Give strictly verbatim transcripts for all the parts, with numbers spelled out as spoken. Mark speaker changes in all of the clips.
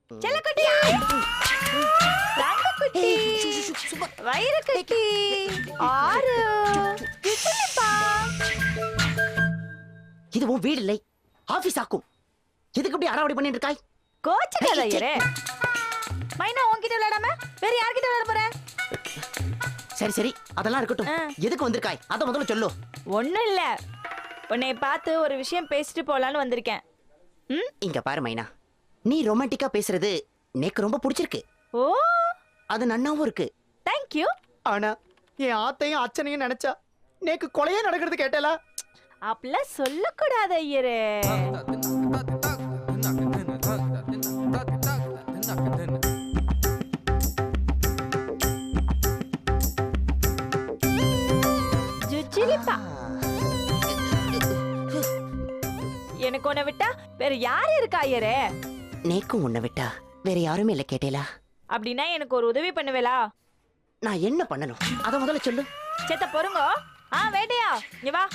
Speaker 1: செல்லக்குட்டி, தங்கக்குட்டி, வைரக்குட்டி, ஆறு, கிசுனிப்பா.
Speaker 2: இது உன் வீடு இல்லை, ஆபீஸ் ஆக்கும். எதுக்கு இப்படி அடாவடி பண்ணிட்டு இருக்காய்?
Speaker 1: கோச்சுக்காத ஐயரே. மைனா உன்கிட்ட விளையாடாம வேற யார்கிட்ட விளையாட போற?
Speaker 2: சரி சரி, அதெல்லாம் இருக்கட்டும். எதுக்கு வந்திருக்காய் அத முதல்ல சொல்லு.
Speaker 1: ஒண்ணும் இல்ல, உன்னை பார்த்து ஒரு விஷயம் பேசிட்டு போலான்னு வந்திருக்கேன். ம்,
Speaker 2: இங்க பாரு மைனா, நீ ரொமான்டிக்கா பேசுறது எனக்கு ரொம்ப பிடிச்சிருக்கு.
Speaker 1: ஓ,
Speaker 2: அது நன்னாவும் இருக்கு.
Speaker 1: Thank you.
Speaker 2: ஆனா என் ஆத்தையும் அச்சனையும் நினைச்சா நேக்கு கொலையே நடக்கிறது கேட்டல.
Speaker 1: அப்படிலாம் சொல்லக்கூடாது ஐயரே. ஜுஜிலிப்பா, எனக்கு உன்னை விட்டா வேற யாரு இருக்கா ஐயரே?
Speaker 2: நேக்கும் உன்னை விட்டா வேற யாருமே இல்ல கேட்டேலா.
Speaker 1: அப்படின்னா எனக்கு ஒரு உதவி பண்ணுவேலா?
Speaker 2: நான் என்ன பண்ணணும் அத முதல்ல சொல்லு.
Speaker 1: சேத்த பொறுங்கோ. ஆ வேட்டையா, இங்க வா.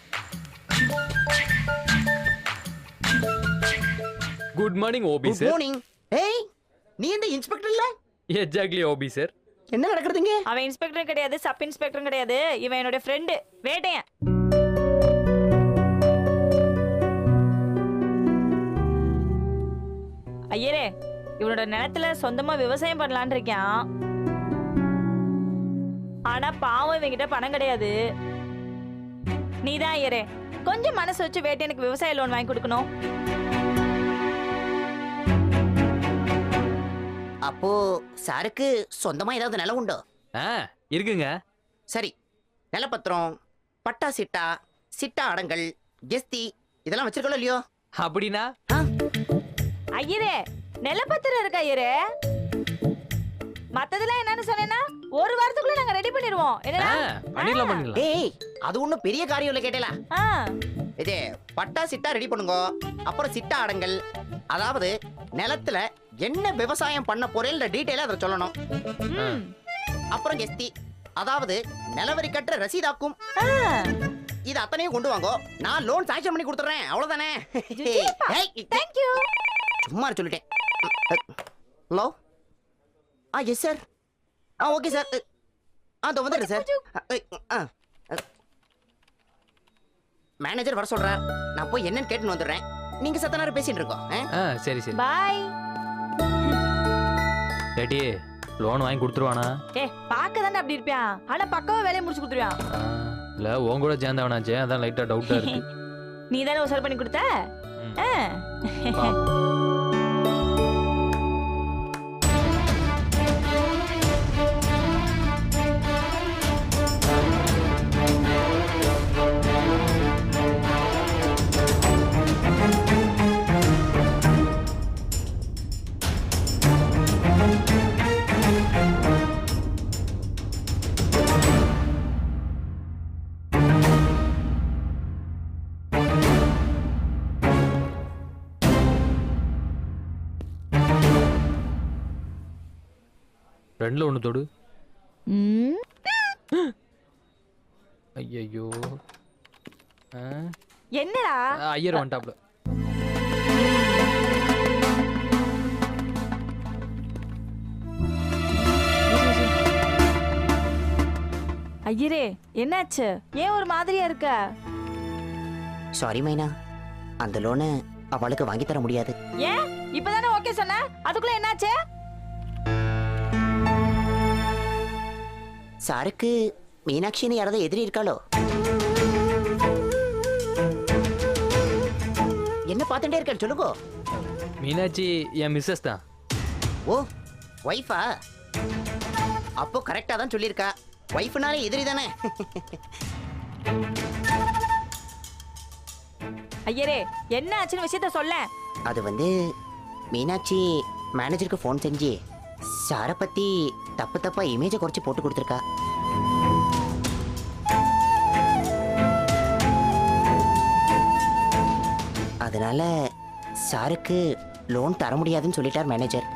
Speaker 3: Good morning OP
Speaker 2: good
Speaker 3: sir.
Speaker 2: Morning. ஏய், நீ இந்த இன்ஸ்பெக்டர் இல்ல?
Speaker 3: Exactly OP sir.
Speaker 2: என்ன நடக்குதுங்க?
Speaker 1: அவன் இன்ஸ்பெக்டரும் கிடையாது, சப் இன்ஸ்பெக்டரும் கிடையாது. இவன் என்னோட ஃப்ரெண்டு வேட்டையன். ஐயரே, இவனோட நிலத்துல சொந்தமா விவசாயம் பண்ணலான்னு இருக்கான். ஆனா பாவம் இவங்கிட்ட பணம் கிடையாது. நீதான் ஐயரே கொஞ்சம் மனசு வச்சு வேட்டையனுக்கு விவசாய லோன் வாங்கி கொடுக்கணும்.
Speaker 2: அப்போ சாருக்கு சொந்தமா ஏதாவது நிலம் உண்டோ?
Speaker 3: ஆ இருக்குங்க.
Speaker 2: சரி, நிலப்பத்திரம், பட்டா சிட்டா, சிட்டா அடங்கல், கெஸ்தி இதெல்லாம் வச்சிருக்கோம் இல்லையோ?
Speaker 3: அப்படின்னா
Speaker 1: ஐயரே, நிலப்பத்திரம் இருக்கா ஐயரே? மத்ததெல்லாம் என்னன்னு சொன்னேன்னா ஒரு வாரத்துக்குள்ள நாங்க ரெடி பண்ணிடுவோம். என்னடா?
Speaker 3: பண்ணிடலாம் பண்ணிடலாம்.
Speaker 2: ஏய், அது ஒண்ணும் பெரிய காரியம் இல்ல கேட்டேலா.
Speaker 1: ஆ,
Speaker 2: இது பட்டா சிட்டா ரெடி பண்ணுங்க. அப்புறம் சிட்டா அடங்கல், அதாவது நிலத்துல என்ன விவசாயம் பண்ண போறேன்ற டீடைலா அதை சொல்லணும்.
Speaker 1: ம்,
Speaker 2: அப்புறம் கெஸ்தி, அதாவது நிலவரி கட்டுற ரசீதாக்கும்.
Speaker 1: ஆ.
Speaker 2: இது அத்தனையும் கொண்டு வாங்கோ, நான் லோன் சாங்ஷன் பண்ணி கொடுத்துறேன். அவ்வளவுதானே?
Speaker 1: ஜுஜிலிப்பா,
Speaker 2: ஏய்,
Speaker 1: thank you.
Speaker 2: சும்மா சொல்லிட்டேன். Hello. Ah yes sir. Ah okay sir. ஆ இதோ வந்துடுறேன் சார். மேனேஜர் வர சொல்றார், நான் போய் என்னன்னு கேட்டுன்னு வந்துடுறேன். நீங்க சத்த நேரம் பேசிட்டு இருக்கோம்.
Speaker 3: ஆ சரி சரி.
Speaker 1: Bye.
Speaker 3: டேடி லோன் வாங்கி கொடுத்துருவானா?
Speaker 1: ஏ, பார்க்க தானே அப்படி இருப்பியா, ஆனா பக்கவா வேலையை முடிச்சு கொடுத்துருவான்.
Speaker 3: இல்ல உன் கூட சேர்ந்தவனாச்சே, அதான் லைட்டா டவுட்டா இருக்கு.
Speaker 1: நீ தானே உசார் பண்ணி கொடுத்த. ஆ.
Speaker 3: ரெண்டுல ஒண்ணு தொடு.
Speaker 1: ம்.
Speaker 3: ஐயோ.
Speaker 1: என்னடா?
Speaker 3: ஐயர் வந்துட்டாப்ல.
Speaker 1: ஐயரே, என்னாச்சு? ஏன் ஒரு மாதிரியா இருக்க?
Speaker 2: சாரி மைனா, அந்த லோனை அவளுக்கு வாங்கி தர முடியாது.
Speaker 1: ஏன்? இப்பதானே ஓகே சொன்ன, அதுக்குள்ள என்னாச்சு?
Speaker 2: சாருக்கு மீனாட்சின்னு யாராவது எதிரி இருக்காளோ? என்ன பார்த்துட்டே இருக்க சொல்லுங்க.
Speaker 3: மீனாட்சி என் மிஸ்ஸஸ் தான்.
Speaker 2: ஓ, வைஃபா? அப்போ கரெக்டா தான் சொல்லியிருக்கா. வைஃப்னாலே எதிரி தானே.
Speaker 1: ஐயரே, என்ன ஆச்சுன்னு விஷயத்த சொல்ல.
Speaker 2: அது வந்து மீனாட்சி மேனேஜருக்கு ஃபோன் செஞ்சு சாரை பத்தி தப்பு தப்பா இமேஜை குறைச்சு போட்டு கொடுத்துருக்கா. அதனால சாருக்கு லோன் தர முடியாதுன்னு சொல்லிட்டார் மேனேஜர்.